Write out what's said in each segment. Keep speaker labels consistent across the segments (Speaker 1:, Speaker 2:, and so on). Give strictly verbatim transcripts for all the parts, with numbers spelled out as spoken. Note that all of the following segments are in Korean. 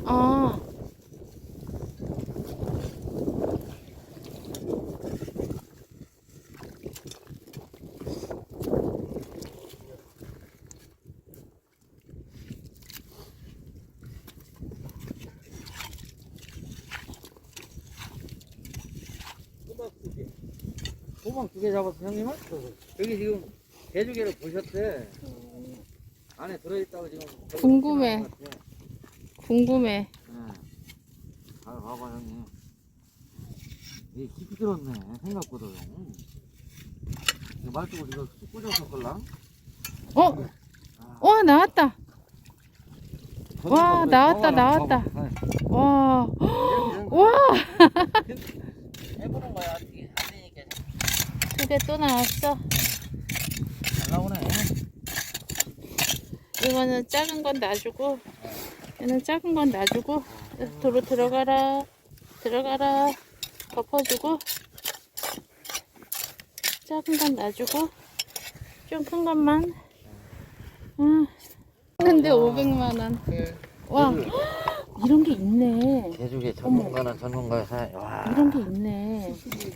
Speaker 1: 아.
Speaker 2: 호박 두 개 잡았어, 형님은? 여기 지금 개조개를 보셨대. 안에 들어있다고 지금.
Speaker 1: 궁금해. 궁금해.
Speaker 2: 네. 잘 봐봐, 형님. 이게 깊이 들었네, 생각보다. 형. 이거 말뚝을 이거 쑥 꽂아서 걸랑?
Speaker 1: 어? 와, 나왔다. 와, 나왔다, 나왔다. 와. 와.
Speaker 2: 해보는 거야, 어떻게 안 되니까.
Speaker 1: 두 개 또 나왔어.
Speaker 2: 잘 나오네.
Speaker 1: 이거는 작은 건 놔주고, 얘는 작은 건 놔주고, 도로 들어가라, 들어가라, 덮어주고, 작은 건 놔주고, 좀 큰 것만. 아, 했는데 오백만 원. 와, 이런 게 있네.
Speaker 2: 개조개 전문가는 전문가야. 와.
Speaker 1: 이런 게 있네.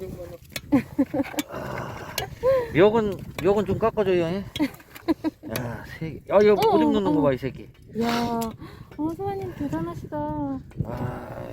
Speaker 2: 욕은, 욕은 좀 깎아줘요, 예? 야, 세 개. 야, 이거
Speaker 1: 어,
Speaker 2: 오줌 넣는
Speaker 1: 어.
Speaker 2: 거 봐, 이 새끼.
Speaker 1: 이야, 어, 소아님 대단하시다.
Speaker 2: 와.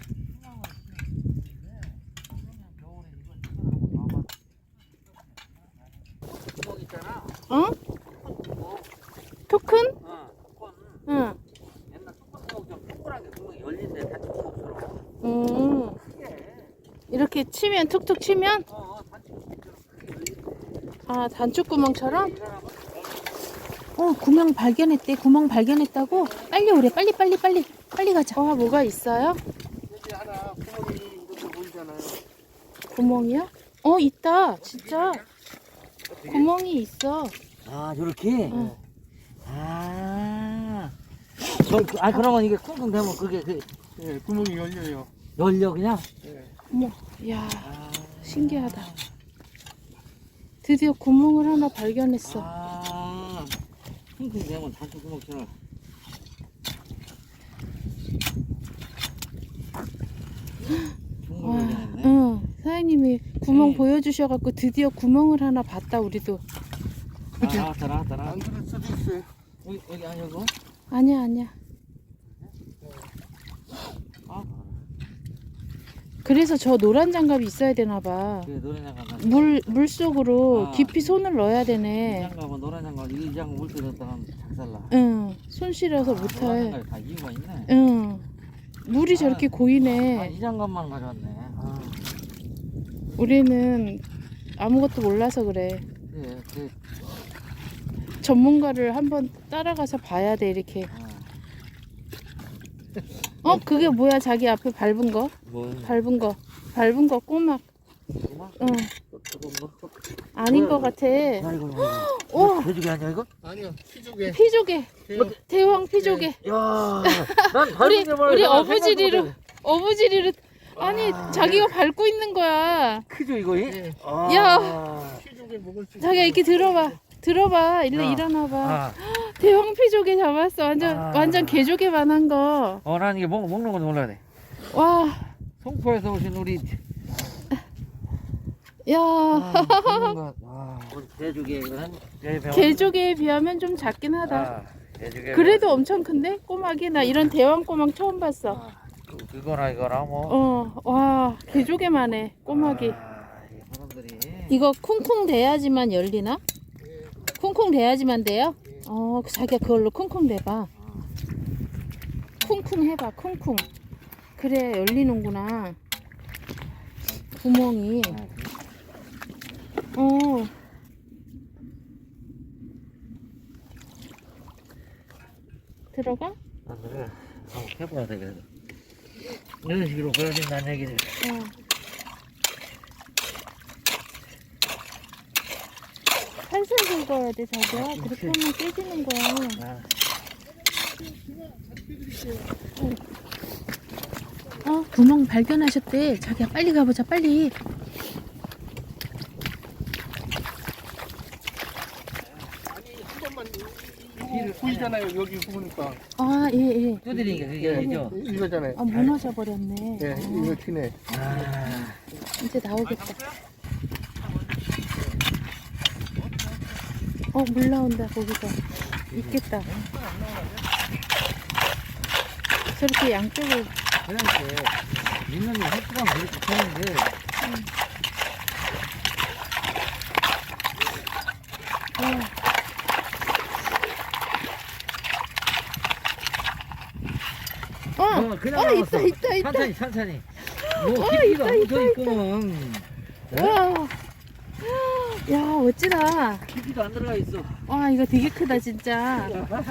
Speaker 2: 구멍 있잖아.
Speaker 1: 어? 토큰?
Speaker 2: 어, 뚜껑.
Speaker 1: 응.
Speaker 2: 옛날 뚜껑 구멍 좀 동그랗게 구멍이 열린데 단추 구멍처럼.
Speaker 1: 음.
Speaker 2: 크게.
Speaker 1: 이렇게 치면, 툭툭 치면?
Speaker 2: 어, 어, 단추 구멍처럼 크게 열리네.
Speaker 1: 아, 단추구멍처럼?
Speaker 2: 이 사람은
Speaker 1: 어, 구멍 발견했대. 구멍 발견했다고? 빨리 오래. 빨리, 빨리, 빨리. 빨리 가자. 와, 뭐가 있어요?
Speaker 2: 여기 하나 구멍이 이렇게 보이잖아요.
Speaker 1: 구멍이요? 어, 있다. 진짜. 구멍이 있어.
Speaker 2: 아, 요렇게?
Speaker 1: 응.
Speaker 2: 아. 저, 아, 그러면 이게 쿵쿵 되면 그게 그
Speaker 3: 예, 구멍이 열려요.
Speaker 2: 열려 그냥?
Speaker 3: 예.
Speaker 1: 어머, 이야,
Speaker 2: 아.
Speaker 1: 신기하다. 드디어 구멍을 하나 발견했어.
Speaker 2: 아. 쿵쿵 되면 단추 구멍처럼.
Speaker 1: 와,
Speaker 2: 네.
Speaker 1: 응. 사장님이 구멍
Speaker 2: 네.
Speaker 1: 보여주셔갖고 드디어 구멍을 하나 봤다, 우리도.
Speaker 2: 아, 나왔다, 나왔다,
Speaker 3: 안
Speaker 2: 나왔다.
Speaker 3: 그럴 수도 있어요.
Speaker 2: 여기, 여기 아니고?
Speaker 1: 아니야, 아니야.
Speaker 2: 아,
Speaker 1: 그래서 저 노란 장갑이 있어야 되나봐.
Speaker 2: 그래, 노란 장갑.
Speaker 1: 물, 물 속으로
Speaker 2: 아.
Speaker 1: 깊이 손을 넣어야
Speaker 2: 이
Speaker 1: 되네.
Speaker 2: 장갑은 노란 장갑, 이 장갑 물때 넣었다가 작살나.
Speaker 1: 응, 손 시려서
Speaker 2: 아, 노란
Speaker 1: 못해.
Speaker 2: 장갑이 다 이유가 있네.
Speaker 1: 응. 물이 저렇게
Speaker 2: 아,
Speaker 1: 고이네.
Speaker 2: 이 장갑만 가져왔네. 아,
Speaker 1: 우리는 아무것도 몰라서 그래.
Speaker 2: 그래, 그,
Speaker 1: 전문가를 한번 따라가서 봐야 돼, 이렇게.
Speaker 2: 아,
Speaker 1: 어, 그게 뭐야? 자기 앞에 밟은 거?
Speaker 2: 뭐,
Speaker 1: 밟은 거. 밟은 거 꼬막.
Speaker 2: 고마?
Speaker 1: 응.
Speaker 2: 조금 뭐?
Speaker 1: 아닌
Speaker 2: 뭐야,
Speaker 1: 거 같아.
Speaker 2: 야, 이거, 이거.
Speaker 1: 우와.
Speaker 2: 이거 돼지개 아니야, 이거?
Speaker 3: 아니요, 피조개.
Speaker 1: 피조개.
Speaker 3: 대형.
Speaker 1: 대왕 피조개.
Speaker 2: 야, 난
Speaker 1: 우리,
Speaker 2: 밟은 게 뭐야.
Speaker 1: 우리
Speaker 2: 내가
Speaker 1: 어부지리로,
Speaker 2: 생각도 못해.
Speaker 1: 어부지리로. 아니,
Speaker 2: 아.
Speaker 1: 자기가 밟고 있는 거야.
Speaker 2: 크죠, 이거? 이?
Speaker 3: 예.
Speaker 2: 아.
Speaker 1: 야.
Speaker 3: 피조개 먹을 수
Speaker 1: 자기가 이렇게 들어봐. 들어봐. 일로
Speaker 2: 야.
Speaker 1: 일어나봐.
Speaker 2: 아.
Speaker 1: 대왕 피조개 잡았어. 완전,
Speaker 2: 아.
Speaker 1: 완전 개조개만 한 거.
Speaker 2: 어, 난 이게 먹, 먹는 건 몰라야 돼.
Speaker 1: 와.
Speaker 2: 송포에서 오신 우리.
Speaker 1: 야.
Speaker 2: 아, 전문가. 와, 우리 개조개는
Speaker 1: 개조개에 비하면 좀 작긴 하다.
Speaker 2: 아, 개조개.
Speaker 1: 그래도 엄청 큰데? 꼬막이? 나 이런 대왕 꼬막 처음 봤어.
Speaker 2: 아, 그, 그거나 이거나 뭐.
Speaker 1: 어, 와, 개조개만 해, 꼬막이.
Speaker 2: 아, 이 사람들이.
Speaker 1: 이거 쿵쿵 대야지만 열리나? 쿵쿵 대야지만 돼요? 어, 자기가 그걸로 쿵쿵 대봐. 쿵쿵 해봐, 쿵쿵. 그래, 열리는구나. 구멍이. 어. 들어가?
Speaker 2: 아, 그래. 한번 해봐야 되겠어. 이런 식으로 보여준다는 얘기지.
Speaker 1: 어. 살살 긁어야 돼, 자기야. 그렇게 하면 깨지는 거야.
Speaker 2: 아,
Speaker 1: 어, 구멍 발견하셨대. 자기야, 빨리 가보자, 빨리.
Speaker 3: 아니, 한 번만.
Speaker 2: 뒤를,
Speaker 3: 보이잖아요. 여기 보니까.
Speaker 1: 아, 예, 예.
Speaker 2: 두드리니까 그게
Speaker 3: 예,
Speaker 2: 아니죠?
Speaker 3: 이거잖아요.
Speaker 1: 아, 무너져 버렸네.
Speaker 3: 예,
Speaker 1: 아,
Speaker 3: 이거 튀네.
Speaker 2: 아,
Speaker 1: 이제 나오겠다. 어, 물 나온다, 거기서. 있겠다. 저렇게 양쪽을,
Speaker 2: 그러니까 있는 게 횟수가 그렇게 되는데
Speaker 1: 어, 어,
Speaker 2: 어, 그냥
Speaker 1: 어,
Speaker 2: 나왔어.
Speaker 1: 있다, 있다, 있다.
Speaker 2: 천천히 천천히 뭐
Speaker 1: 어,
Speaker 2: 깊이가
Speaker 1: 있다,
Speaker 2: 묻어
Speaker 1: 있다,
Speaker 2: 있구먼.
Speaker 1: 와. 야, 멋지다.
Speaker 2: 깊이도 안 들어가 있어.
Speaker 1: 와, 이거 되게 크다, 진짜.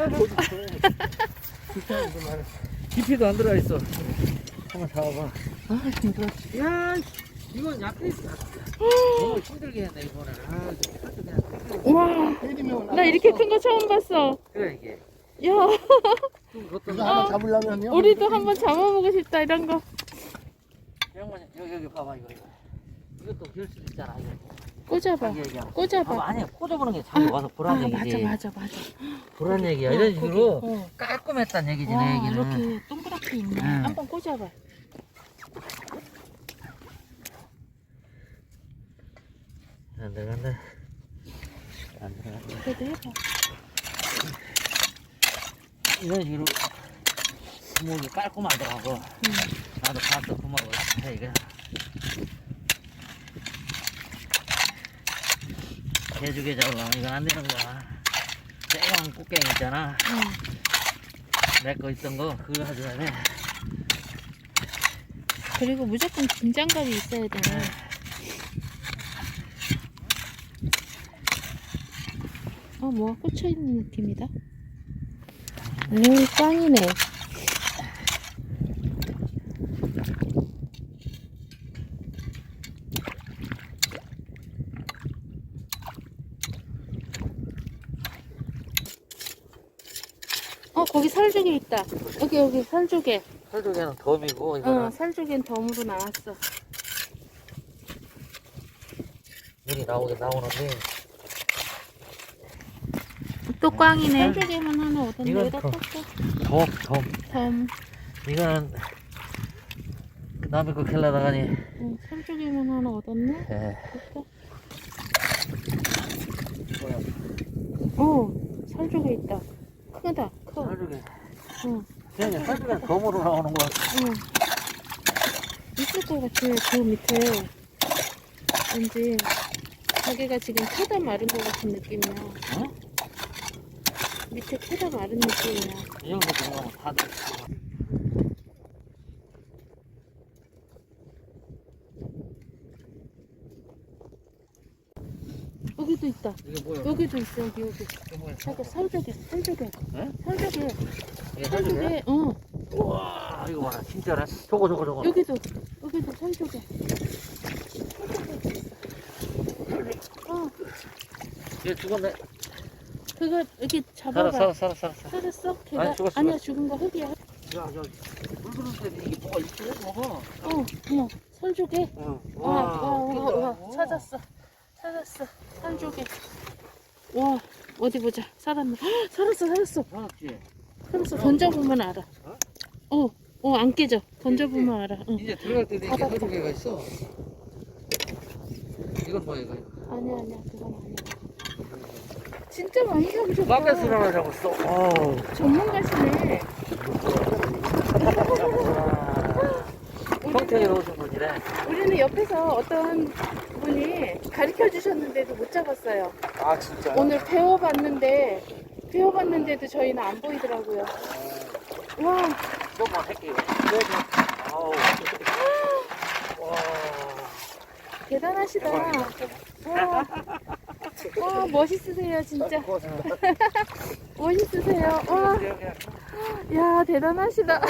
Speaker 2: 깊이도 안 들어가 있어. 한번 잡아봐.
Speaker 1: 아, 힘들어.
Speaker 2: 야, 이건 약간 너무 힘들게 했네 이거는. 아, 이거 그냥
Speaker 1: 우와,
Speaker 3: 때리면
Speaker 1: 나 이렇게 큰 거 처음 봤어.
Speaker 2: 그래 이게.
Speaker 1: 야,
Speaker 2: 좀
Speaker 3: 이거
Speaker 2: 그것도
Speaker 3: 하나 잡으려면요.
Speaker 1: 우리도 한번 잡아보고 싶다, 이런 거.
Speaker 2: 형만 여기 여기 봐봐 이거 이거. 이것도 기울 수도 있잖아 이거.
Speaker 1: 꽂아봐,
Speaker 2: 자기 얘기하면.
Speaker 1: 꽂아봐.
Speaker 2: 아, 아니야 꽂아보는 게 자기 와서 보란
Speaker 1: 아,
Speaker 2: 얘기지.
Speaker 1: 맞아, 맞아, 맞아.
Speaker 2: 보란 얘기야.
Speaker 1: 어,
Speaker 2: 이런
Speaker 1: 거기,
Speaker 2: 식으로
Speaker 1: 어.
Speaker 2: 깔끔했단 얘기지 내
Speaker 1: 와,
Speaker 2: 얘기는.
Speaker 1: 이렇게 동그랗게 있네.
Speaker 2: 응.
Speaker 1: 한번 꽂아봐.
Speaker 2: 안 들어간다. 안 들어간다.
Speaker 1: 그래도 해봐.
Speaker 2: 이런 식으로 구멍이 깔끔하더라고.
Speaker 1: 응.
Speaker 2: 나도 봤어 구멍을 해 이거. 개주게 잡으려면 이건 안 되는 거야. 쨍한 꽃갱이 있잖아.
Speaker 1: 응.
Speaker 2: 내 거 있던 거 그거 가져야 돼.
Speaker 1: 그리고 무조건 긴장감이 있어야 되네. 어, 뭐가 꽂혀있는 느낌이다. 오, 꽝이네. 어, 거기 살조개 있다. 여기, 여기 살조개.
Speaker 2: 설조개는 덤이고 이거는
Speaker 1: 어, 살조개는 덤으로 나왔어.
Speaker 2: 물이 나오긴 나오는데
Speaker 1: 또 꽝이네. 살조개만 하나 얻었네.
Speaker 2: 이건
Speaker 1: 여기다
Speaker 2: 더-
Speaker 1: 떴어.
Speaker 2: 덤, 덤.
Speaker 1: 덤.
Speaker 2: 이거는 남의 거 캘라다가니.
Speaker 1: 응, 살조개만 하나 얻었네.
Speaker 2: 예.
Speaker 1: 됐다. 어, 살조개 있다. 크다, 커.
Speaker 2: 설조개.
Speaker 1: 응,
Speaker 2: 그냥 설조개는 덤으로 나오는 거야.
Speaker 1: 응. 있을 것 같아, 그 밑에. 왠지, 자기가 지금 캐다 마른 것 같은 느낌이야.
Speaker 2: 응?
Speaker 1: 밑에 캐다 마른 느낌이야.
Speaker 2: 이 정도 들어가면 다 돼.
Speaker 1: 여기도 있다.
Speaker 2: 이게 뭐야?
Speaker 1: 여기도 있어, 여기, 여기.
Speaker 2: 이게 뭐야?
Speaker 1: 저거 살조개, 살조개.
Speaker 2: 응?
Speaker 1: 살조개,
Speaker 2: 이게 설조개?
Speaker 1: 살조개, 어.
Speaker 2: 우와, 이거 봐라. 진짜네. 저거, 저거, 저거.
Speaker 1: 여기도, 여기도 살조개. 어,
Speaker 2: 얘 죽었네.
Speaker 1: 그거 여기
Speaker 2: 살아,
Speaker 1: 잡아봐.
Speaker 2: 살아, 살아, 살아. 살아.
Speaker 1: 살았어? 걔가?
Speaker 2: 아니, 죽었어,
Speaker 1: 아니야, 죽은 거 흙이야.
Speaker 2: 야, 야, 물 그릇에 이게 뭐가 있어? 먹어.
Speaker 1: 어, 어머, 살조개.
Speaker 2: 응.
Speaker 1: 와, 와, 와, 와, 찾았어. 찾았어. 살조개. 와, 어디 보자. 살았나? 헉, 살았어, 살았어.
Speaker 2: 살았지?
Speaker 1: 살았어. 던져보면 알아. 어, 어, 안 깨져. 던져보면 알아. 응.
Speaker 2: 이제 들어갈 때도 이게
Speaker 1: 받았다.
Speaker 2: 설조개가 있어. 이건 뭐야, 이거?
Speaker 1: 아니야, 아니야, 그건 아니야. 진짜 많이 잡으셨다.
Speaker 2: 마켓을 하나 잡았어. 어우.
Speaker 1: 전문가시네.
Speaker 2: 평택에 오신 분이래.
Speaker 1: 우리는 옆에서 어떤 분이 가르쳐 주셨는데도 못 잡았어요.
Speaker 3: 아 진짜.
Speaker 1: 오늘 배워봤는데 배워봤는데도 저희는 안 보이더라고요. 와,
Speaker 2: 조금만 할게요. 아우. 와.
Speaker 1: 대단하시다. 와, 와, 멋있으세요, 진짜. 멋있으세요. 와, 야, 대단하시다.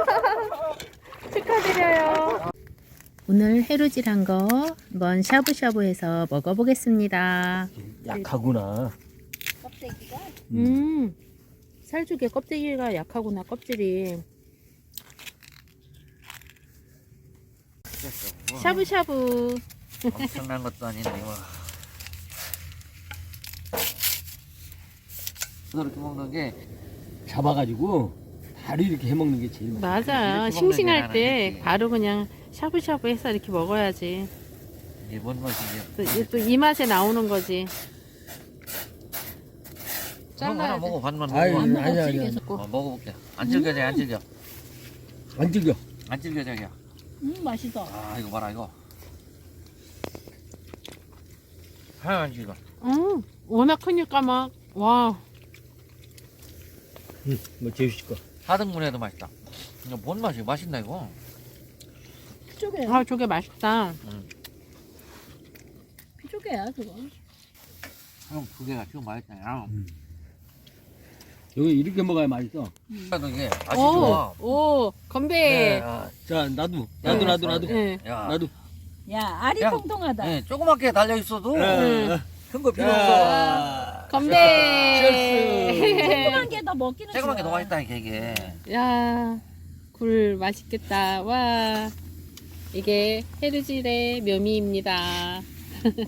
Speaker 1: 축하드려요. 오늘 해루질한 거 한번 샤브샤브해서 먹어보겠습니다.
Speaker 2: 약하구나.
Speaker 1: 음, 살조개 껍데기가 약하구나, 껍질이. 샤브샤브.
Speaker 2: 엄청난 것도 아닌데 뭐. 그렇게 먹는 게
Speaker 4: 잡아가지고 바로 이렇게 해먹는 게 제일 맛있어.
Speaker 1: 맞아.
Speaker 2: 이렇게
Speaker 1: 싱싱할
Speaker 2: 먹는 게
Speaker 1: 때
Speaker 2: 나는
Speaker 1: 바로 그냥 샤브샤브 해서 이렇게 먹어야지.
Speaker 2: 이게 뭔 맛이지?
Speaker 1: 또 이 맛에 나오는 거지.
Speaker 2: 형 하나
Speaker 1: 잘라야 돼.
Speaker 2: 먹어 반만
Speaker 4: 아이,
Speaker 2: 먹어.
Speaker 4: 아니, 아니, 아니, 아니.
Speaker 2: 어, 먹어볼게. 안 질겨져 안 질겨.
Speaker 4: 안 질겨.
Speaker 2: 안 질겨져 야.
Speaker 5: 음 맛있어.
Speaker 2: 아 이거 봐라 이거. 하얀 안 질겨.
Speaker 1: 응. 워낙 크니까 막 와.
Speaker 4: 응, 뭐 재우실 거.
Speaker 2: 하등분해도 맛있다. 이거 뭔 맛이야? 맛있나 이거?
Speaker 5: 피조개.
Speaker 1: 아 저게 맛있다.
Speaker 5: 피조개야 그거.
Speaker 2: 형 두 개가 지금 맛있다. 야.
Speaker 4: 여기 이렇게 먹어야 맛있어.
Speaker 2: 그래도 이게 맛이 좋아.
Speaker 1: 오, 오 건배.
Speaker 2: 네, 아,
Speaker 4: 자, 나도, 나도,
Speaker 1: 네.
Speaker 4: 나도, 나도,
Speaker 1: 네.
Speaker 2: 야,
Speaker 4: 나도.
Speaker 5: 야 알이
Speaker 2: 야.
Speaker 5: 통통하다.
Speaker 2: 네, 조그맣게 달려 있어도
Speaker 1: 응.
Speaker 2: 큰 거 필요 없어.
Speaker 4: 자,
Speaker 1: 건배.
Speaker 5: 조그만 게 더 먹기는
Speaker 2: 조그만 게 더
Speaker 5: 좋아.
Speaker 2: 맛있다 이게.
Speaker 1: 야, 굴 맛있겠다. 와, 이게 헤르질의 묘미입니다.